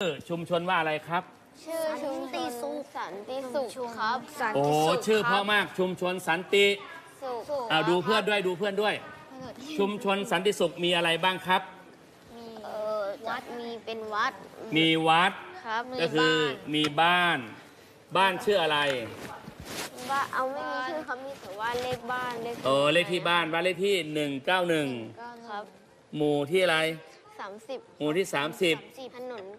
ชุมชนว่าอะไรครับชื่อชุมชนสันติสุขครับโอ้ชื่อเพราะมากชุมชนสันติสุขดูเพื่อนด้วยดูเพื่อนด้วย ชุมชนสันติสุขมีอะไรบ้างครับมีวัดมีเป็นวัดมีวัดครับก็คือมีบ้านชื่ออะไรว่าเอาไม่มีชื่อครับมีแต่ว่าเลขบ้านเลขเลขที่บ้านเลขที่191 ครับหมู่ที่อะไร 30 หมู่ที่ถนน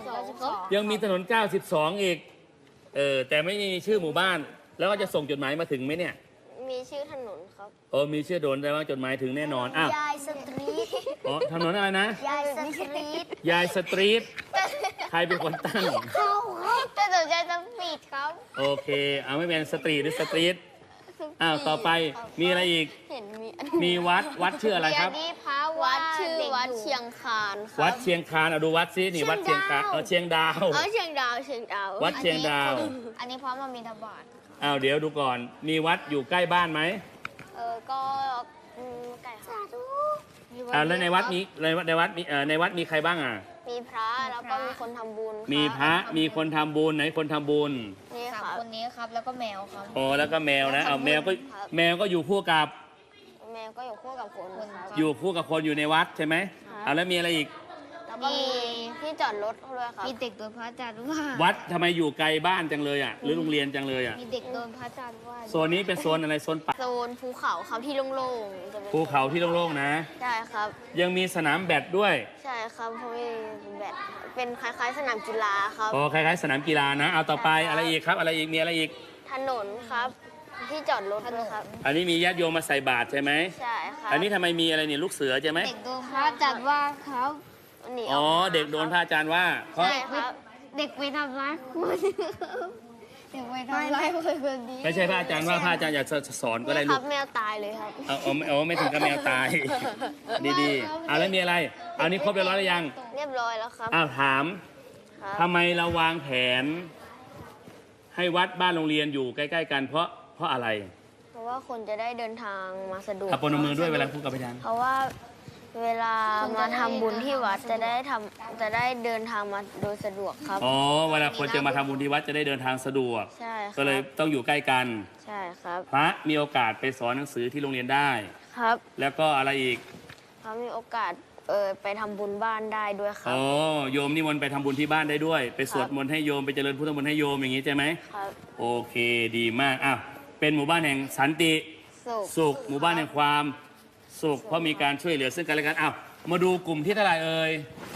92 ยังมีถนน92อีกแต่ไม่มีชื่อหมู่บ้าน แล้วก็จะส่งจดหมายมาถึงไหมเนี่ยมีชื่อถนนครับมีชื่อโดนแต่ว่าจดหมายถึงแน่นอนอ้าวยายสตรีทถนนอะไรนะยายสตรีทยายสตรีทใครเป็นคนตั้งเข้าครับแต่สนใจจะปิดครับโอเคไม่เป็นสตรีทหรือสตรีทต่อไปมีอะไรอีกเห็นมีมีวัดชื่ออะไรครับนี่พระวัดชื่อวัดเชียงคานครับวัดเชียงคานดูวัดซินี่วัดเชียงคานเชียงดาวเชียงดาววัดเชียงดาวอันนี้พระมามีทบาทเดี๋ยวดูก่อนมีวัดอยู่ใกล้บ้านไหมก็ไก่สาธุแล้วในวัดมีใครบ้างมีพระแล้วก็มีคนทำบุญมีพระมีคนทำบุญไหนคนทำบุญนี่ค่ะคนนี้ครับแล้วก็แมวครับแล้วก็แมวนะแมวก็อยู่คู่กับแมวก็อยู่คู่กับคนครับอยู่คู่กับคนอยู่ในวัดใช่ไหมแล้วมีอะไรอีกแล้วก็มีที่จอดรถด้วยครับมีเด็กโดนพระอาจารย์ว่าวัดทำไมอยู่ไกลบ้านจังเลยหรือโรงเรียนจังเลยมีเด็กโดนพระอาจารย์ว่าโซนนี้เป็นโซนอะไรโซนป่าโซนภูเขาครับที่โล่งๆภูเขาที่โล่งๆนะใช่ครับยังมีสนามแบดด้วยใช่ครับเพราะมีแบดเป็นคล้ายๆสนามกีฬาครับคล้ายๆสนามกีฬานะเอาต่อไปอะไรอีกครับอะไรอีกมีอะไรอีกถนนครับที่จอดรถด้วยครับอันนี้มีญาติโยมมาใส่บาตรใช่ไหมใช่ครับอันนี้ทำไมมีอะไรเนี่ยลูกเสือใช่ไหมเด็กโดนพระอาจารย์ว่าครับเด็กโดนพระอาจารย์ว่าเพราะเด็กไปทำร้ายคนเด็กไปทำร้ายคนนี้ไม่ใช่พระอาจารย์ว่าพระอาจารย์อยากสอนก็ได้ลูกแมวตายเลยครับไม่ถึงกับแมวตายดีๆแล้วมีอะไรเอานี้ครบเรียบร้อยหรือยังเรียบร้อยแล้วครับถามทำไมเราวางแผนให้วัดบ้านโรงเรียนอยู่ใกล้ๆกันเพราะอะไรเพราะว่าคนจะได้เดินทางมาสะดวกปนมือด้วยเวลาพูดกับพยานเพราะว่าเวลามาทำบุญที่วัดจะได้เดินทางมาโดยสะดวกครับเวลาคนจะมาทำบุญที่วัดจะได้เดินทางสะดวกใช่ก็เลยต้องอยู่ใกล้กันใช่ครับพระมีโอกาสไปสอนหนังสือที่โรงเรียนได้ครับแล้วก็อะไรอีกพระมีโอกาสไปทำบุญบ้านได้ด้วยครับโยมนิมนต์ไปทำบุญที่บ้านได้ด้วยไปสวดมนต์ให้โยมไปเจริญพุทธมนต์ให้โยมอย่างนี้ใช่ไหมครับโอเคดีมากเป็นหมู่บ้านแห่งสันติสุขหมู่บ้านแห่งความสุขเพราะมีการช่วยเหลือซึ่งกันและกันมาดูกลุ่มที่เท่าไหร่